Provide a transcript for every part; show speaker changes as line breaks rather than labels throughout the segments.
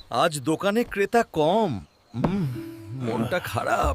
আজ দোকানে ক্রেতা কম। মনটা খারাপ।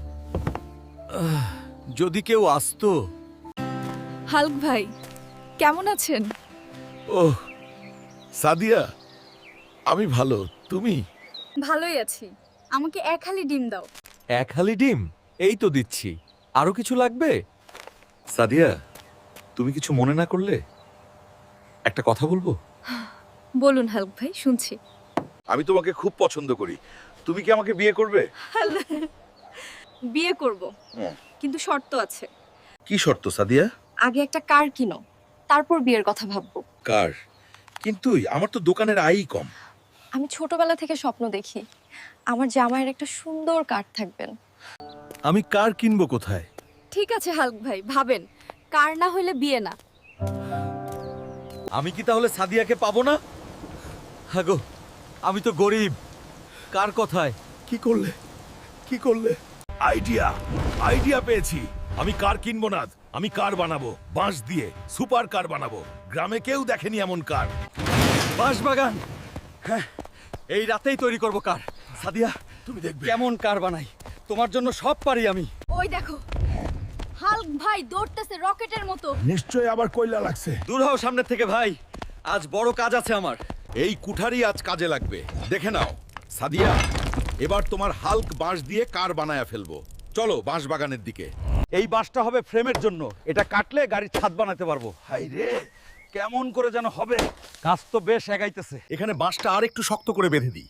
যদি কেউ আসতো।
হাল্ক ভাই কেমন আছেন?
ওহ সাদিয়া, আমি ভালো, তুমি?
ভালোই আছি। আমাকে এক হালি ডিম দাও।
এক হালি ডিম এই তো দিচ্ছি। আরো কিছু লাগবে? সাদিয়া, তুমি কিছু মনে না করলে একটা কথা বলবো?
বলুন হাল্ক ভাই, শুনছি।
আমি তোমাকে খুব পছন্দ করি। তুমি কি আমাকে বিয়ে করবে?
বিয়ে করব, কিন্তু শর্ত আছে।
কি শর্ত সাদিয়া?
আগে একটা কার কিনো, তারপর বিয়ের কথা ভাববো।
কার? কিন্তু আমার তো দোকানের আয়ই কম।
আমি ছোটবেলা থেকে স্বপ্ন দেখি আমার জামাইয়ের একটা সুন্দর কার থাকবেন।
আমি কার কিনবো কোথায়?
ঠিক আছে হাল্ক ভাই, ভাবেন। কার না হলে বিয়ে না।
আমি কি তাহলে সাদিয়াকে পাবো না? হাগো, আমি তো গরিব। কার কথায়? কি করলে? কি করলে? আইডিয়া পেয়েছি। আমি কার কিনবো না, আমি কার বানাবো। বাঁশ দিয়ে সুপার কার বানাবো। গ্রামে কেউ দেখেনি এমন কার। বাঁশ বাগান। হ্যাঁ, এই রাতেই তৈরি করব কার। সাদিয়া, তুমি দেখবে কেমন কার বানাই। তোমার জন্য সব পারি আমি।
ওই দেখো, হাল্ক ভাই দৌড়তেছে রকেটের মতো।
নিশ্চয়ই আবার কয়লা লাগছে।
দূর হও সামনে থেকে ভাই। আজ বড় কাজ আছে আমার। এই কুঠারি আজ কাজে লাগবে। দেখে নাও সাদিয়া, এবার তোমার হাল্ক বাঁশ দিয়ে কার বানায়া ফেলবো। চলো বাঁশ বাগানের দিকে। এই বাঁশটা হবে ফ্রেমের জন্য। এটা কাটলে গাড়ির ছাদ বানাতে পারবো। হাই রে, কেমন করে যেন হবে। কাজ তো বেশ এগাইতেছে। এখানে বাঁশটা আর একটু শক্ত করে বেঁধে দিই।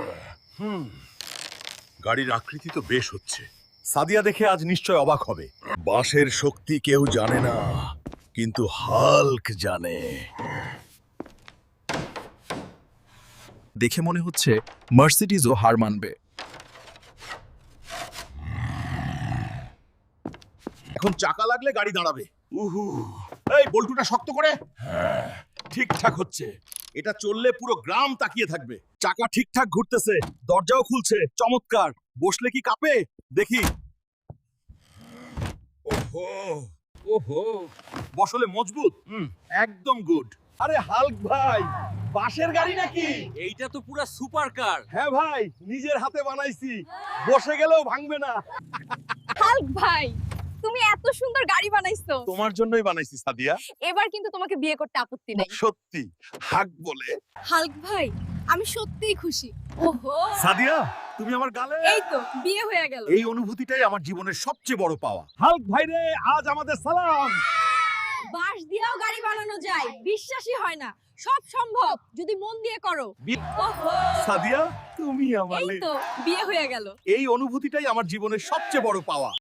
গাড়ির আকৃতি তো বেশ হচ্ছে।
সাদিয়া দেখে আজ নিশ্চয় অবাক হবে।
বাঁশের শক্তি কেউ জানে না, কিন্তু হাল্ক জানে।
দেখে মনে হচ্ছে মার্সিডিজও হার মানবে।
এখন চাকা লাগলে গাড়ি দাঁড়াবে। এই বল্টুটা শক্ত করে। ঠিকঠাক হচ্ছে।
এটা চললে পুরো গ্রাম তাকিয়ে থাকবে। চাকা ঠিকঠাক ঘুরতেছে, দরজাও খুলছে। চমৎকার। বসলে কি কাঁপে? দেখি।
ওহো,
ওহো, বসলে মজবুত। একদম গুড।
আরে হাল্ক ভাই, বাঁশের গাড়ি নাকি?
এইটা তো পুরা সুপার কার।
হ্যাঁ ভাই, নিজের হাতে বানাইছি। বসে গেলেও ভাঙবে না।
হাল্ক ভাই, তুমি এত সুন্দর গাড়ি বানাইছো।
তোমার জন্যই বানাইছি সাদিয়া।
এবার কিন্তু তোমাকে বিয়ে করতে আপত্তি নেই।
সত্যি হাক বলে।
হাল্ক ভাই, আমি সত্যিই খুশি। ওহো,
সাদিয়া, তুমি আমার গালে।
এই তো বিয়ে হয়ে গেল।
এই অনুভূতিটাই আমার জীবনের সবচেয়ে বড় পাওয়া।
হাল্ক ভাই রে, আজ আমাদের সালাম।
বাঁশ দিয়েও গাড়ি বানানো যায়, বিশ্বাসই হয় না। সব সম্ভব যদি মন দিয়ে করো। ওহো,
সাদিয়া, তুমি আমার
এই তো বিয়ে হয়ে গেল।
এই অনুভূতিটাই আমার জীবনের সবচেয়ে বড় পাওয়া।